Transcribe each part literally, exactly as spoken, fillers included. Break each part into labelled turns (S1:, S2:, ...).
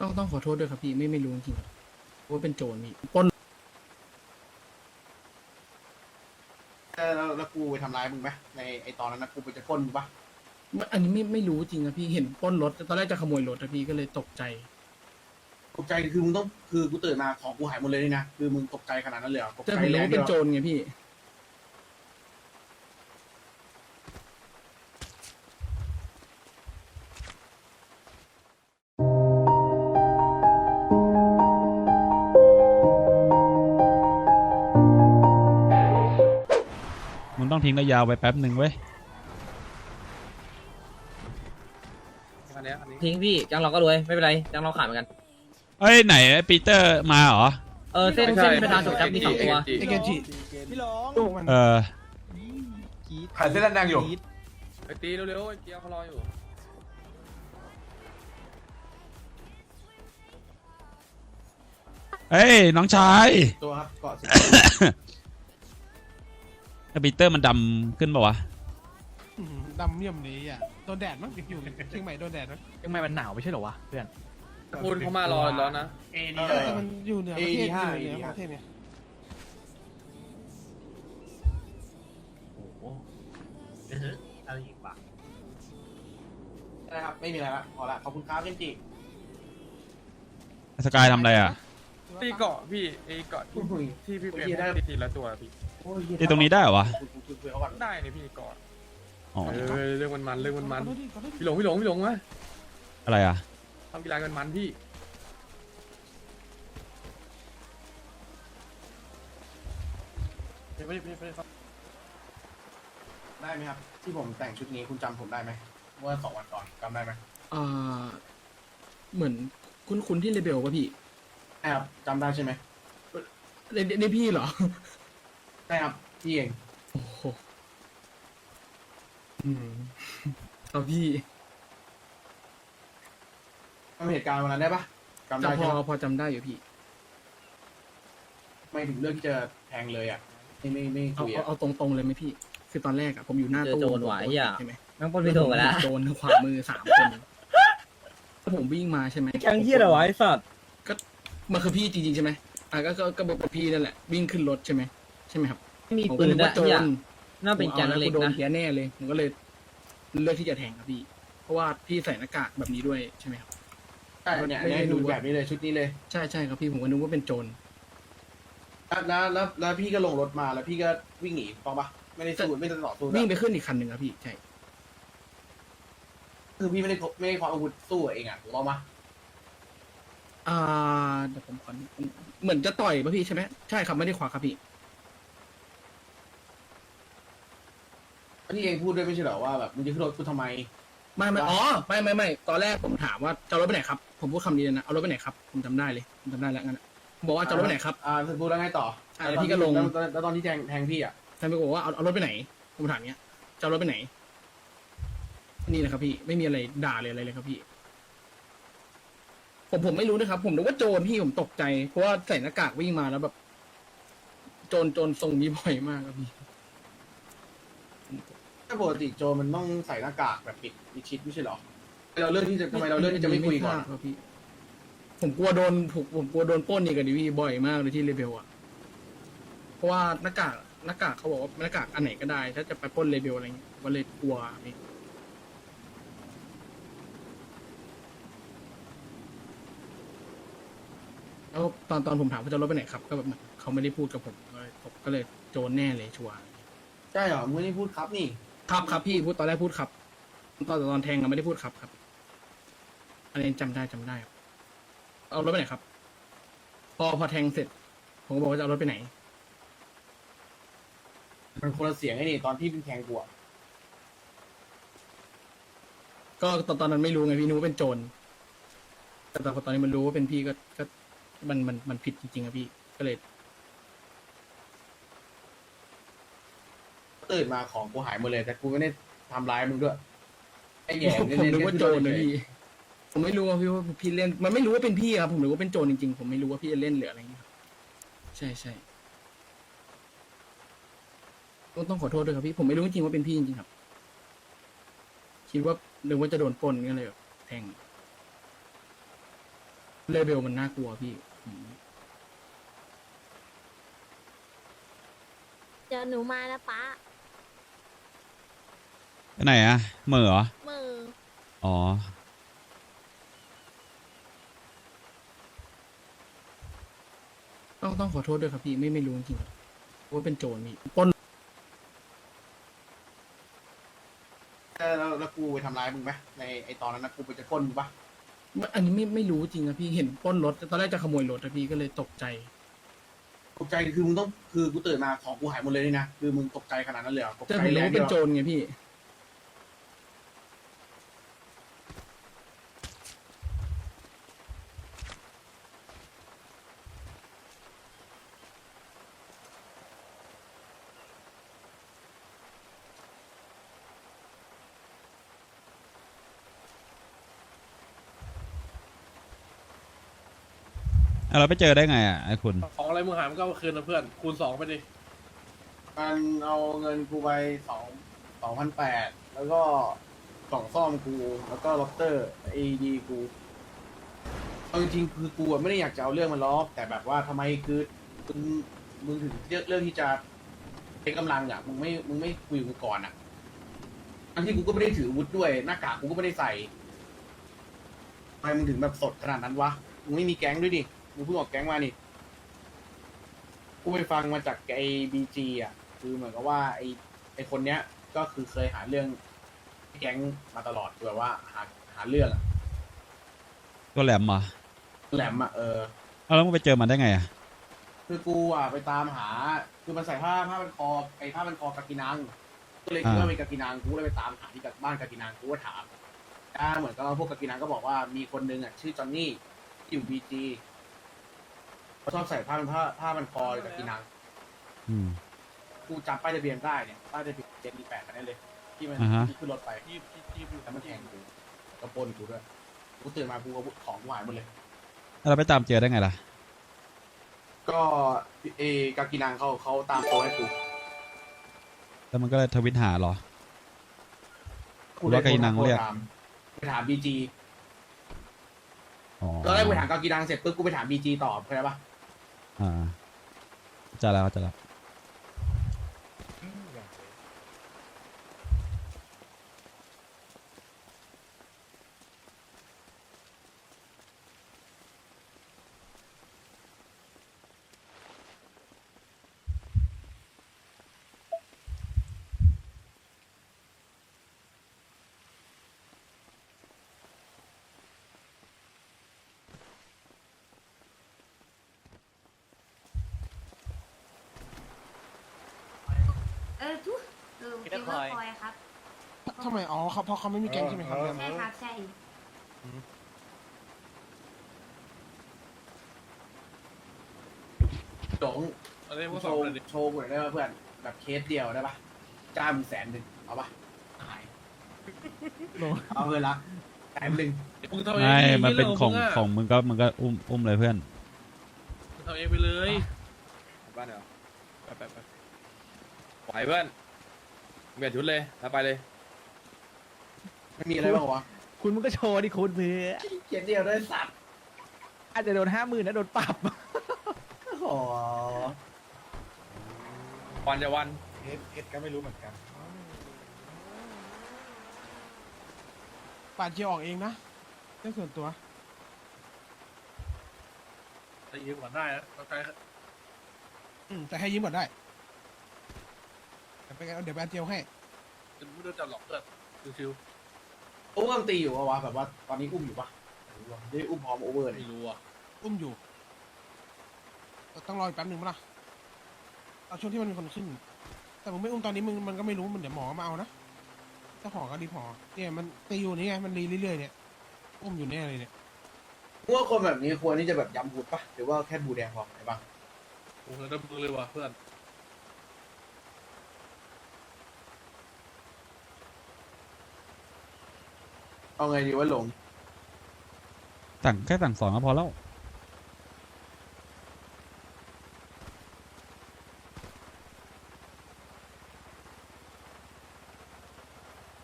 S1: ต้องต้องขอโทษด้วยครับพี่ไม่ไม่รู้จริงๆครับว่าเป็นโจรพี่ปล้น
S2: แล้วแล้วกูไปทำร้ายมึงไหมในไอตอนนั้นนะกูไปจะปล้นมึงปะ
S1: อันนี้ไม่ไม่รู้จริงครับพี่เห็นปล้นรถตอนแรกจะขโมยรถนะพี่ก็เลยตกใจ
S2: ตกใจคือมึงต้องคือกูตื่นมาของกูหายหมดเลยนี่นะคือมึงตกใจขนาดนั้นเลยเหรอตก
S1: แต่
S2: ใจ
S1: ผมรู้
S2: แรง
S1: ว่า
S2: เดี
S1: เป็
S2: ย
S1: น
S2: ว
S1: โจรไงพี่
S3: มึงต้องทิ้งระยะไว้แป๊บหนึ่งเว้ย
S4: ทิ้งพี่จังเราก็รวยไม่เป็นไรจังเราขายเหมือนกัน
S3: เอ้ยไหนไอ้ปีเตอร์มาเหรอ
S4: เออเส้นเส้นประธานจบจับมีสองตัว
S5: เอเกจิ
S6: พี่หลง
S3: เออ
S5: ขายเส้นแดงอยู่
S6: ไปตีเร็วๆไอ้เกียวเขารออยู่
S3: เอ้ยน้องชาย
S2: ตัวครับเกาะสิ
S3: ไอ้ปีเตอร์มันดำขึ้นปะวะ
S5: ดำเยี่ยมนี้อ่ะโดนแดดมั้งอยู่เชียงใหม่โดนแดดมั้ง
S7: ยังไงมันหนาวไม่ใช่เหรอวะเพื่อน
S6: คุณเขามารอแล้วนะ
S2: เอ
S5: เอ
S2: ดี
S5: อแต่มันอยู่เหนือประเทศอยู่เหนือประเทศเนี่ย
S7: อะไรอีกวะ
S2: นะครับไม่มีอะไรละพอละขอบคุณครับเจนจิ
S3: สกายทำอะไรอ่ะ
S6: ตีเกาะพี่ไอ้เกาะที่ที่พี่เป็นได้ตีละตัวพี่
S2: โอ้ย
S3: ที่ตรงนี้ได้เหรอวะ
S2: คุยคุยคุยเขาก่อน
S6: ได้เนี่ยพี่เกาะ
S3: อ๋อ
S6: เออเรื่องมันมันเรื่องมันมัน
S5: ขอโทษดิขอโทษดิ
S6: พี่หลงพี่หลงพี่หลงวะ
S3: อะไรอ่ะ
S6: ทำกีฬากันมันพี่
S2: ไม่ได้ไม่ได้ไม่ได้ครับได้ไหมครับ ที่ผมแต่งชุดนี้คุณจำผมได้ไหมเมื่อสองวันก่อนจำได้ไหม
S1: อ่าเหมือนคุณคุณที่เลเบลป่ะพี่
S2: ใช่ครับจำได้ใช่ไหม
S1: เนนี่พี่เหรอ
S2: ใช่ครับพี่เอง
S1: โอ้โหอืมครับพี่
S2: จำเหตุการณ์วันนั้นได้ปะจำ
S1: จะ
S2: ได้
S1: พ
S2: ใช่
S1: อ
S2: ไหม
S1: พอจำได้อยู่พี่
S2: ไม่ถึงเรื่องที่จะแทงเลยอ่ะไม่ไม่ไม่
S1: เอา
S2: คุย
S1: เอา
S2: อ่ะ
S1: เอาตรงๆเลยไหมพี่ คือตอนแรกอะผมอยู่หน้า
S4: เจอ
S1: ตู้
S4: โจรหวายอ่ะ
S1: ใช่ไหม
S4: นั่งปล้นพี่โถไปแล้ว
S1: โจรขวามือสามคนแล้วผมวิ่งมาใช่ไหม
S4: แกงเฮียเหรอวะไอ้สัตว์
S1: มันคือพี่จริงๆใช่ไหมอ่ะก็ก็ก็บอกพี่นั่นแหละวิ่งขึ้นรถใช่ไหมใช่ไหมครับ
S4: ไม่มี
S1: ผม
S4: ปื
S1: ก็
S4: น
S1: นึก
S4: นะ
S1: ว่าโจ
S4: เฮีย
S1: ร
S4: น่าเป็นแกง
S1: ผมอา
S4: เล็ก
S1: โดน
S4: นะ
S1: เพี้ยแน่เลยผมก็เลยเลือกที่จะแทงครับพี่ เพราะว่าพี่ใส่หน้ากากแบบนี้ด้วยใช่ไหมครับ
S2: ใช่เนี่ย
S1: ไม่ได้
S2: เนี่ย
S1: ดู
S2: ดูแบบนี้เลยชุดนี้เลย
S1: ใช่ใช่ครับพี่ผมก็นึกว่าเป็นโจร
S2: แล้วแล้วแล้วพี่ก็ลงรถมาแล้วพี่ก็วิ่งหนีถูกต้องปะไม่ได้สู้ไม่ได้ต่อสู้ด้วย
S1: วิ่งไปขึ้นอีกคันหนึ่งครับพี่ใช่
S2: คือพี่ไม่ได้ไม่ได้ความอาวุธสู้เองอ่ะถูกต้องปะ
S1: อ่าเดี๋ยวผมขอเหมือนจะต่อยป่ะพี่ใช่ไหมใช่ครับไม่ได้ขวาครับพี่
S2: พี่เองพูดด้วยไม่ใช่เหรอว่าแบบมึงจะขึ้นรถกูทำไม
S1: ไม่ไม่อ๋อไม่ไม่ไม่ตอนแรกผมถามว่าจะเอารถไปไหนครับผมพูดคำนี้เลยนะเอารถไปไหนครับผมจำได้เลยผมจำได้แล้วงั้นอะผมบอกว่าจะเอารถไปไหนครับ
S2: อ่าพูดแล้วไงต่อ
S1: อ่าแล้วพี่ก็ลง
S2: แล้วแล้วแล้วตอนที่แทงแทงพี่อ่ะ
S1: ท่านไปบอกว่าเอาเอารถไปไหน ผมถามเนี้ยจะเอารถไปไหน นี่แหละครับพี่ไม่มีอะไรด่าเลยอะไรเลยครับพี่ ผมผมไม่รู้นะครับ ผมนึกว่าโจรพี่ผมตกใจเพราะว่าใส่หน้ากากวิ่งมาแล้วแบบ โจรโจรทรงนี้บ่อยมากครับพี่
S2: ถ้าปกติโจรมันต้องใส่หน้ากากแบบปิดมิดชิดไม่ใช่เหรอเราเลือกที่จะทำไมเราเลือกที่จะไม่คุยก่อน
S1: ทราบครับพี่ ผมกลัวโดนผมผมกลัวโดนปล้นนี่กับดิพี่บ่อยมากเลยที่เลเบลอะเพราะว่าหน้ากากหน้ากากเขาบอกว่าหน้ากากอันไหนก็ได้ ถ้าจะไปปล้นเลเบลอะไรเงี้ยก็เลยกลัวพี่แล้วตอนตอนผมถามว่าจะรถไปไหนครับ ก็แบบเขาไม่ได้พูดกับผมก็เลยผมก็เลยโจรแน่เลยชัวร์
S2: ใช่เหรอมึงไม่ได้พูดครับนี่
S1: ครับครับพี่พูดตอนแรกพูดครับ ตอนตอนแทงเราไม่ได้พูดครับครับอันนี้จำได้จำได้ครับเอารถไปไหนครับ พอพอแทงเสร็จ ผมก็บอกว่าจะเอารถไปไหน
S2: มันคนละเสียงไอ้นี่ตอนที่เป็นแทงกูอะ
S1: ก็ตอนตอนนั้นไม่รู้ไงพี่นึกว่าเป็นโจรแต่แต่พอตอนนี้มันรู้ว่าเป็นพี่ก็ก็มันมันมันผิดจริงๆครับพี่ก็เลย
S2: ตื่นมาของกูหายหมดเลย แต่กูไม่ได้ทำร้ายมึงด้วยไอ้แย่
S1: ผมผมนึกว่าโจรนะพี่ ผมไม่รู้ว่าพี่ว่าพี่เล่น มันไม่รู้ว่าเป็นพี่ครับผมนึกว่าเป็นโจรจริงๆผมไม่รู้ว่าพี่จะเล่นหรืออะไรอย่างเงี้ยครับใช่ใช่ต้องต้องขอโทษด้วยครับพี่ผมไม่รู้จริงๆว่าเป็นพี่จริงๆครับ คิดว่านึกว่าจะโดนปล้นก็เลยแบบแทงเลเบลมันน่ากลัวพี่อืม
S8: เดี๋ยวหนูมานะป้า
S3: ไปไหนอะเหม่อเหรอ
S8: มือ
S3: อ๋อ
S1: ต้องต้องขอโทษด้วยครับพี่ไม่ไม่รู้จริงๆครับว่าเป็นโจรพี่ปล้น
S2: เออแล้วแล้วกูไปทำร้ายมึงไหมในไอตอนนั้นนะกูไปจะปล้นมึงปะ
S1: อันนี้ไม่ไม่รู้จริงครับพี่เห็นปล้นรถตอนแรกจะขโมยรถนะพี่ก็เลยตกใจ
S2: ตกใจคือมึงต้องคือกูตื่นมาของกูหายหมดเลยนี่นะคือมึงตกใจขนาดนั้นเลยเหรอตก
S1: แต่
S2: ใจ
S1: ผม
S2: แร
S1: รู้
S2: ง
S1: ว่าเป็นโจ
S2: ที่
S1: รไงพี่
S3: อ่ะเราไปเจอได้ไงอ่ะไอ้คุณ
S9: ของอะไรมึงหายมันก็เอาคืนนะเพื่อน คูณสองไปดิ
S2: มันเอาเงินกูไปสองสองพันแปดแล้วก็กล่องซ่อมกู แล้วก็ล็อกเตอร์เอดีกูเอาจริงๆคือกูอะไม่ได้อยากจะเอาเรื่องมันล้อกแต่แบบว่าทำไมคือมึงมึงถึงเลือกเรื่องที่จะใช้กำลังอ่ะมึงไม่มึงไม่คุยกับกูก่อนอ่ะทั้งที่กูก็ไม่ได้ถืออาวุธด้วยหน้ากากกูก็ไม่ได้ใส่ทำไมมึงถึงแบบสดขนาดนั้นวะมึงไม่มีแก๊งด้วยดิมึงเพิ่งออกแก๊งมานี่กูไปฟังมาจากไอ้บีจีอ่ะ คือเหมือนกับว่าไอ้ไอ้คนเนี้ยก็คือเคยหาเรื่องแก๊งมาตลอดคือแบบว่าหาหาเรื่องอะ
S3: ตัวแหลมเหรอ
S2: แหลมอะเออ
S3: เอาแล้วมึงไปเจอมันได้ไงอ่ะ
S2: คือกูอ่ะไปตามหา คือมันใส่ผ้าผ้าพันคอไอ้ผ้าพันคอกากินังก็เลยคิดว่าเป็นกากินังกูเลยไปตามหาที่กับบ้านกากินังกูก็ถามอ่าเหมือนกับว่าพวกกากินังก็บอกว่ามีคนนึงอ่ะชื่อจอนนี่ที่อยู่บีจีเขาชอบใส่ผ้าพันผ้าผ้าพันคอกากินัง
S3: อืม
S2: กูจำป้ายทะเบียนได้เนี่ยป้ายทะเบียนเจ็ดดีแปดคันนี้เลย ที่มัน
S3: อ่าฮะ
S2: ที่ขึ้นรถไปที่ที่ที่แล้วมันแทงกูกระปนกูด้วยกูตื่นมากูเอาของกูหายหมดเลย
S3: แล้วเราไปตามเจอได้ไงล่ะ
S2: ก็เอกากินังเขาเขาตามตัวให้กู
S3: แล้วมันก็เลยทวิตหาเหรอ
S2: กู
S3: หรือว่ากากินังเรียก
S2: ถามไปถามบีจี
S3: อ๋อ
S2: ตอนแรกกูถามกากินังเสร็จปุ๊บกูไปถามบีจีต่อเข้าใจปะ
S3: อ่าจะแล้วจะแล้ว
S8: เออทุกเออเกมเมอร์คอยครับ
S5: ทำไมอ๋อเขาเพราะเขาไม่มีแก๊งใช่ไหมครับ
S8: ใช่ครับ ใช่
S2: จง
S9: อะไรพวก
S2: โช
S9: สอง
S2: ว์
S9: เลยดิ
S2: โชว์กูหน่อยได้ปะเพื่อนแบบเคสเดียวได้ปะจ้างมึงแสนหนึ่งเอาปะขายเอาเพื่อนละแสนหนึ่ง
S9: มึงทำเอง
S3: ไม่
S9: ดิ
S3: มันเป็น
S9: หี้ย
S3: ของ
S9: มึะ
S3: ของมึงก็มึงก็อุ้มอุ้มเลยเพื่อน
S9: มึงทำเองไปเลย
S6: บ้านเหรอไปไปไปไหวเพื่อนเปลี่ยนชุดเลยแล้วไปเลย
S2: ไม่มีอะไรบ้างวะ
S7: คุณมันก็โชว์ดิคุณเพื่อ
S2: เคสเดียวได้สัตว์
S7: อาจจะโดนห้าหมื่นนะโดนปรับ
S2: โอ้
S6: วันจะวัน
S2: เอสเอสก็ไม่รู้เหมือนกัน
S5: ปาดเจียวออกเองนะเรื่องส่วนตัว
S9: แต่ยืมก่อนได้นะต้องใช้
S5: อืมแต่ให้ยิ้มก่อนได้เดี๋ยวไปเดี๋ยวไปอันเจียวให้
S9: จะไม่โดนจับหลอกเพื่อนชิว
S2: โอเวอร์มันตีอยู่ปะวะแบบว่าตอนนี้อุ้มอยู่ปะไม่รู้ว่ะได้อุ้มพร้อมโอเวอร์
S9: ๆ
S2: เลย
S9: ไม่รู้อ่ะ
S5: อุ้มอยู่ต้องรออีกแป๊บหนึ่งมั้ยล่ะเอาช่วงที่มันมีคนขึ้น แต่มึงไม่อุ้มตอนนี้มึงมันก็ไม่รู้มันเดี๋ยวหมอมาเอานะถ้าหอก็รีบหอเนี่ยมันตีอยู่นี่ไงมันรีเรื่อยๆเนี่ยอุ้มอยู่แน่เลยเนี่ย
S2: พวกคนแบบนี้ควรที่จะแบบย้ำบูดปะหรือว่าแค่บูแดงพอไหนบ้าง
S9: โอ้โหได้มือเลยว่ะเพื่อน
S2: เอาไงดีว่าหลง
S3: สั่งแค่สั่งสอนก็พอแล้ว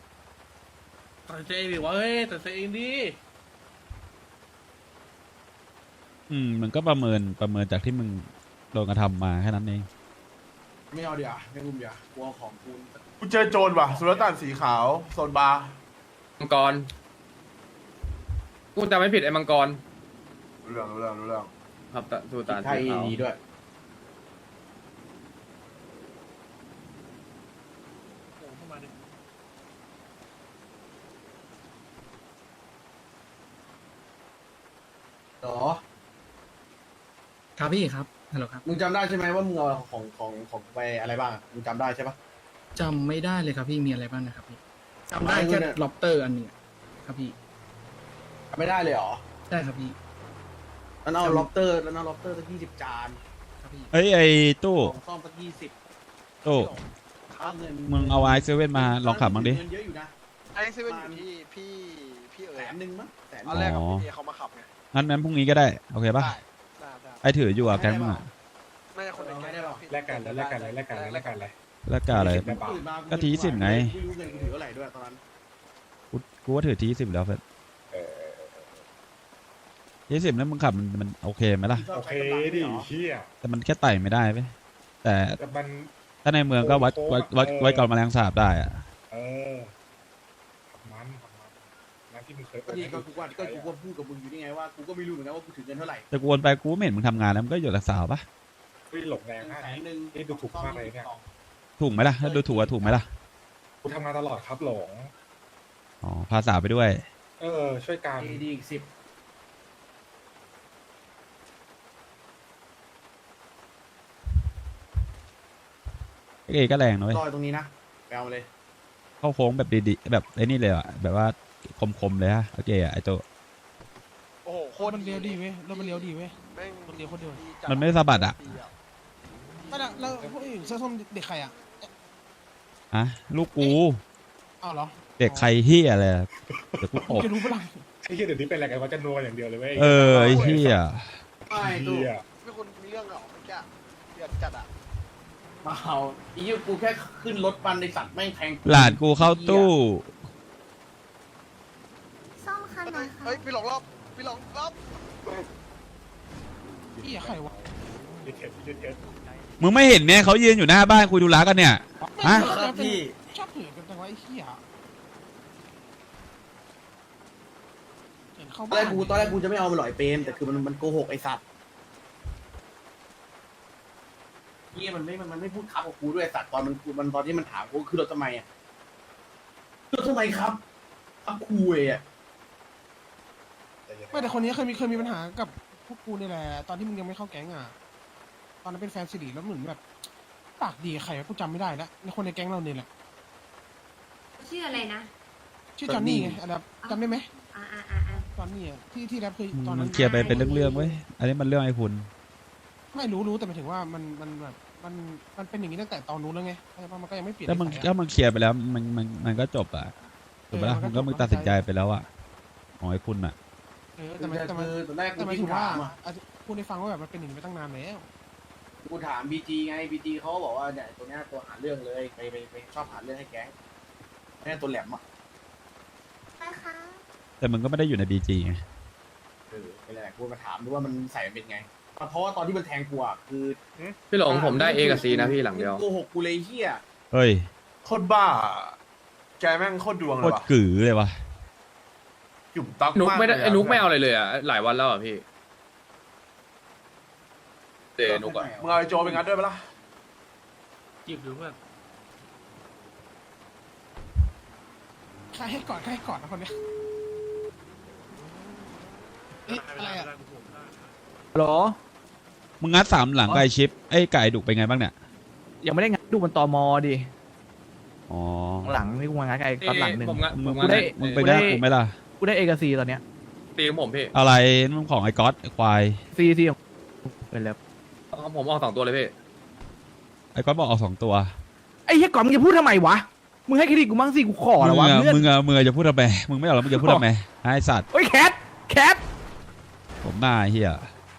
S9: ตัดใจเองดิวะเฮ้ยตัดใจเองดิ
S3: อืมมันก็ประเมินประเมินจากที่มึงโดนกระทำมาแค่นั้นเอง
S2: ไม่เอาเดี๋ยวาไม่รุมเดี๋ยวากลัวของกู
S10: กูเจอโจรว่ะสุลต่านสีขาวโซนบาร์
S6: มังกรกูจำไม่ผิดไอ้มังกร
S10: รู้เรื่องรู้เรื่องรู้เรื่อง
S6: ครับตะสูตาน
S2: ไทย
S6: สีขาว
S2: ดีด้วย
S9: โอ้เข้ามาดิ
S2: หรอ
S1: ครับพี่ครับฮัลโหลครับ
S2: มึงจำได้ใช่ไหมว่ามึงเอาของของของไปอะไรบ้างอะมึงจำได้ใช่ปะ
S1: จำไม่ได้เลยครับพี่มีอะไรบ้างนะครับพี่จำได้
S2: ไม่
S1: แค่
S2: เนี่ย
S1: ล็อบเตอร์อันหนึ่งอะครับพี่
S2: จำไม่ได้เลยเหรอ
S1: ได้ครับพี่
S2: แล้วเอาล็อบเตอร์แล้วเอาล็อบเตอร์สักยี่สิบจาน
S1: ครับพี่
S3: เอ้ยไอ้ตู้
S2: ของซ่อมสักยี่สิบ
S3: ตู้
S2: ค่าเงิน
S3: มึงเอาไอเซเว่นมาลองขับบ้างดิ
S2: เงินเยอะอยู่นะ
S10: ไอเซเว่นอยู่ที่พี่พี่เอ๋
S2: แส
S10: ย
S2: นหนึ่งมั้งแสน
S10: ตอนแรกกับพี่เอเขามาขับไง
S3: งั้นงั้นพรุ่งนี้ก็ได้โอเคปะ
S10: ได้ได้ได้
S3: ไอถืออยู่อะแก๊งมึงอะ
S10: น่าจะคนในแก๊งเรา
S9: แลกกันเลยแลกกันเลยแลกกันเลยแลกกันเลย
S3: แล้วก็อะไร
S2: ตื่นมา
S3: ก็ทีสิบไง
S2: ไม่รู้เงินกูถือเท่าไหร่ด้วยตอนนั้น
S3: กูกูว่าถือทีสิบแล้วเพื่อนทีสิบแล้วมึงขับมันมันโอเคไหมล่ะ
S2: โอเคดิเชี่ย
S3: แต่มันแค่ไต่ไม่ได้ไหมแต่
S10: แต่มัน
S3: ถ้าในเมืองก็วัดวัดวัดวัดก่อนแมลงสาบได้อะ
S10: เออขับมันขับมันนั่นที่มึงเคย
S2: ก็ดีก็กูว่าก็กูก็พูดกับมึงอยู่นี่ไงว่ากูก็ไม่รู้เหมือนกันว่ากูถือเงินเท่าไหร่
S3: แต่กูวนไปกูไม่เห็นมึงทำงานแล้วมึงก็อยู่กับสาวปะ
S10: ไม่หลงแรง
S2: หนึ่ง
S10: นะ
S2: แสนหนึ่ง
S10: นี่ดูถูกมากเลยเนี่ย
S3: ถูกไหมล่ะถ้าดูถูกอะถูกไหมล่ะ
S10: กูทำงานตลอดครับหลง
S3: อ๋อพาสาวไปด้วย
S10: เออ ช่วยกัน
S2: ดีดีอีกสิบ
S3: เอก็แรงนะเว้ย
S2: รอยตรงนี้นะไปเอามาเลย
S3: เข้าโค้งแบบดีๆแบบไอ้นี่เลยอะแบบว่าคมๆเลยฮะโอเคอะไอโต
S10: โอ้โหโค
S5: รถ
S10: ตร
S5: มันเลี้ยวดีเว้ยรถมันเลี้ยวดีเว้ย
S10: แม่ง
S5: มันเลี้ยวโคตรดี
S3: มันไม่สะบัดอะ
S5: ไม่ละแล้วพวกอื่นเสื้อส้มเด็กใครอ่ะ
S3: อะลูกกู
S5: อ้าวเหรอ
S3: เด็กใครเฮียอะไรอะเดี๋ยวกูตบ
S5: จะรู้ปะล่ะ
S10: ไอ้เหี้ยเดี๋ยวนี้เป็นอะไรกันว่าจะนัวอย่างเดียวเลยเว้ย
S3: เออไอ้เฮีย
S2: ไอ้ตู้
S10: เหี้ยไม่คนมีเรื่องเหรอเมื่อกี้เดือดจัดอ่ะ
S2: มาเอาอีกกูแค่ขึ้นรถบันในสัตว์แม่งแทง
S3: หลานกูเข้าตู้
S8: ซ่อมคันไหนคะ
S10: เฮ้ยพี่หลงรอบพี่หลงรอบ
S5: พี่ใครวะ
S10: พี่เข็ดพี่เข็ด
S3: มึงไม่เห็นเนี่ยเขายืนอยู่หน้าบ้านคุยดูร้ากันเนี่ย ฮะ
S5: ครับพี่ชอบเถื่อนกันจังวะไอ้เหี้ยเห็นเข้า
S2: ตอน
S5: บ้า
S2: แร
S5: น
S2: กกูตอนแรกกูจะไม่เอามันหลอยเปรมแต่คือมันมันโกหกไอ้สัตว์เฮียมันไม่มันมันไม่พูดครับกับกูด้วยไอ้สัตว์ตอนมันกูมันตอนที่มันถามกูคือรถทำไมอ่ะคือรถทำไมครับครับคุยอ่ะ
S5: ไม่แต่คนนี้เคยมีเคยมีปัญหากับพวกกูนี่แหละตอนที่มึงยังไม่เข้าแก๊งอ่ะตอนนั้นเป็นแฟนสิริแล้วเหมือนแบบปากดีกับใครวะกูจำไม่ได้แล้วในคนในแก๊งเราเนี่ยแหละ
S8: ชื่ออะไรนะ
S5: ชื่อจอนนี่ไงอะไรจำได้ไหม
S8: อ่าอ่าอ่าอ่า
S5: จอนนี่อ่ะที่ที่แรปคือตอน
S3: มั
S5: นั้น น
S3: เคลียร์ไปเป็นเรื่องๆเว้ยอันนี้มันเรื่องไอ้คุณ
S5: ไม่รู้รู้แต่หมายถึงว่ามันมันแบบมันมันเป็นอย่างนี้ตั้งแต่ตอนนู้นแล้วไงเข้าใจปะมันก็ยังไม่เปลี่ยน
S3: ถ้ามึง
S5: นิสัย
S3: ถ้า
S5: อะ
S3: มึงเคลียร์ไปแล้วมันมันมันก็จบอะถูกปะล่ะ
S5: เออมั
S3: มึ
S5: น
S3: ง
S5: ก็
S3: ก็มึง
S5: จบ
S3: ตัดสินใจไปแล้วอะอ๋อไอ้คุณอะ
S5: เออ
S2: แต่
S5: แต่มันแต่มัน
S2: คือตอนแรกกู
S5: แต่หมาย
S2: ที่
S5: ถึงว่า
S2: ถามอ่ะ
S5: อาจจะพูดให้ฟังว่าแบบมันเป็นอย่างนี้มาตั้งนานแล้ว
S2: กูถามบีจีไงบีจีเขาก็บอกว่าเนี่ยตัวเนี้ยตัวหาเรื่องเลยไปไปไปชอบหาเรื่องให้แก๊งเนี่ยตัวแหลมอ่ะ
S8: ไปคะ
S3: แต่มึงก็ไม่ได้อยู่ในบีจีไง
S2: เออไปแหละกูมาถามดูว่ามันใส่มันเป็นไงเพราะว่าตอนที่มันแทงกูอ่ะคือ
S6: พี่หลงผมได้เอกับซีนะพี่หลังเดียว
S2: โกหกกูเลยเฮีย
S3: เฮ้ย
S10: โคตรบ้า แกแม่งโคตรดวง
S3: โค
S10: เลย
S3: ตร
S10: ว่ะ
S3: กือเลยวะ
S10: หยุ่มตัก
S6: นุกไม่ได้
S10: ากลยะ
S6: ไอ้นุกไม่เอาอะไรเลยอ่ะหลายวันแล้วอ่ะพี่เดนุกอ่ะ
S10: มึงเอาไอ้โจไปงัดด้วยปะล่ะ
S9: จีบดูเพื่อน
S5: ใครให้ก่อนใครให้ก่อนนะคนเนี้ยเอ๊ะอะไรอ่ะ
S7: หรอ
S3: มึงงัดสามหลังไก่ชิปไอ้ไก่ดุกเป็นไงบ้างเนี่ย
S7: ยังไม่ได้งัดดูบนตมดิ
S3: อ๋อ
S7: หลังนี่กูงัดไอ้ตอนหลังหนึ่ง
S6: ผมงะ
S3: มึ
S6: ผ
S3: ง
S6: ม
S3: มึ
S6: งะ
S3: งได้
S6: ได้
S3: มึงไป
S7: กู
S3: ได้
S7: ได้
S3: กูไหมล่ะ
S7: กูได้เอกซีตอนเนี้ย
S6: ตีของผมพี่
S3: อะไรนั่นของไอ้ก๊อตไอ้ควาย
S7: ซีซีของเป็นแล้ว
S6: เอาผมออกสองตัวเลยพี่
S3: ไอ้ก๊อตบอกเอาสองตัว
S7: ไอ้เหี้ยก่อนมึงจะพูดทำไมวะมึงให้เครดิตกูมั่งสิกูขอ
S3: มึ
S7: แล้ว
S3: ง
S7: วะ
S3: อะ
S7: เพื่อน
S3: มึงอะมึงอะจะพูดทำไมมึงไม่เอาแล้วมึงจะพูดทำไมไอ้สัตว์
S7: เฮ้ยแคทแคท
S3: ผมหน้าไอ้เฮีย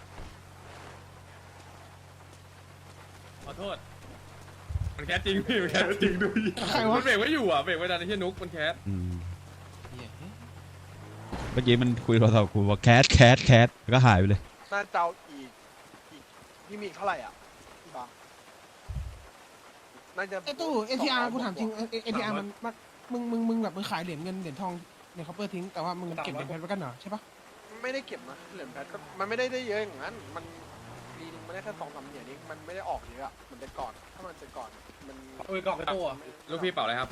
S6: ขอโทษมันแคสจริงพี่มันแคสจริงดู
S5: ใครวะ
S6: มันเบรกไว้อยู่อ่ะเบรกไว้นานไอ้เหี้ยนุกมันแคส
S3: อืมเมื่อกี้มันคุยโทรศัพท์กูว่าแคทแคทแคทแล้วก็หายไปเลย
S11: น่าจะเอาอีกอีกพี่มีอีกเท่าไหร่อ่ะพี่บังน่าจะ
S5: ไอ้ตู้ เอ ที อาร์ กูถามจริง เอ ที อาร์ มันมันมึงมึงมึงแบบมึงขายเหรียญเงินเหรียญทองเหรียญคอปเปอร์ทิ้งแต่ว่ามึงเก็บเหรียญเพชรไว้กันเหรอใช่ปะ
S11: ไม่ได้เก็บนะเหรียญแพทก็มันไม่ได้ได้เยอะอย่างนั้นมันปีนึงมันได้แค่สองสามเหรียญเองมันไม่ได้ออกเยอะอะมันแต่ก่อนถ้ามันแต่ก่อนมัน
S6: โอ้ยกล่องตู้ลูกพี่เป่าอะไรครับ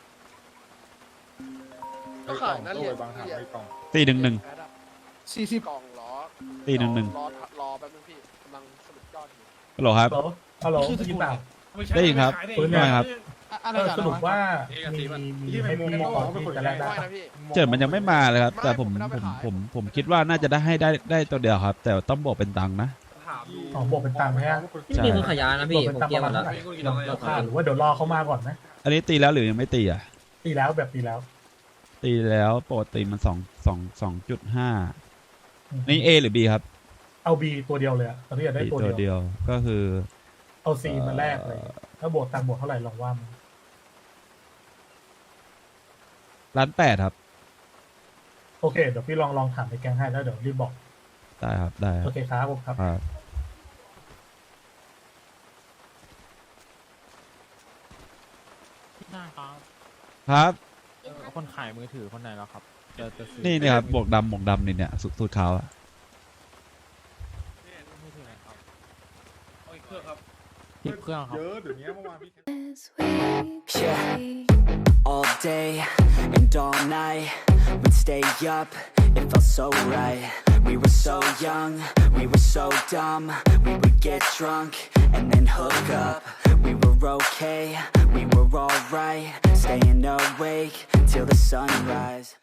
S11: ก็ขายนะเหรียญ
S10: บางถาม
S11: เหรียญ
S10: ไม่กล่อง
S3: ตีหนึ่งหนึ่ง
S11: แพทอะ
S5: สี่สิบ
S11: กล่องเหรอ
S3: ตีหนึ่งหนึ่ง
S11: รอรอแป๊บนึงพี่กำลังสรุปยอดอยู่
S3: ฮัลโหลครับ
S10: ฮัลโหลได้ยินเปล่า
S3: ได้ยินครับ
S10: ปืน
S3: ได้ครับ
S5: อะไร
S10: เออ
S5: กัน
S10: สรุป
S5: วะ
S10: ว่า
S6: เอกสี
S10: มี
S6: มัน
S10: มีให้พี่ขอที่จะแรกได้
S11: ไม่
S10: ปะ
S11: นะพี่
S3: เจิดมันยังไม่มาเลยครับ แต่ผมผมผมผมคิดว่าน่าจะได้ให้ได้ได้ตัวเดียวครับ แต่ต้องบอกเป็นตังค์นะ
S9: ถามดู
S10: อ๋อบวกเป็นตังค์ไหมฮะ
S4: ไม่มีคนขายยานะพี่ผมเกียร์หมดแล้ว
S10: ราคาหรือว่าเดี๋ยวรอเขามาก่อนไหม
S3: อันนี้ตีแล้วหรือยังไม่ตีอ่ะ
S10: ตีแล้วแบบตีแล้ว
S3: ตีแล้วปกติมันสองสองสองจุดห้านี่ A หรือ B ครับ
S10: เอาบีตัวเดียวเลยอะตอนนี้อยากได้
S3: B
S10: ตัว
S3: ตัว
S10: เดียว
S3: เดียวก็คือ
S10: เอาซีมาแลกเลย ถ้าบวกตังค์บวกเท่าไหร่ลองว่ามา
S3: ล้านแปดครับ
S10: โอเคเดี๋ยวพี่ลองลองถามในแก๊งให้แล้วเดี๋ยวรีบบอก
S3: ได้ครับได้ค
S10: โอ
S3: รับ
S10: เคครับผมครับ
S3: ครับ ครับ
S9: คนขายมือถือคนไหนแล้วครับจะจะซื้อ
S3: นี่เนี่ยครับบวกดำบวกดำนี่เนี่ยสูตรสูตรขาวอะ
S9: มือถือไหนครับเอาอีกเครื่องครับอีกเครื่องครับ
S10: เยอะเดี๋ยวนี้เมื่อวานพี่
S12: Yeah, all day and all night, we'd stay up, it felt so right. We were so young, we were so dumb, we would get drunk and then hook up. We were okay, we were alright, staying awake till the sunrise.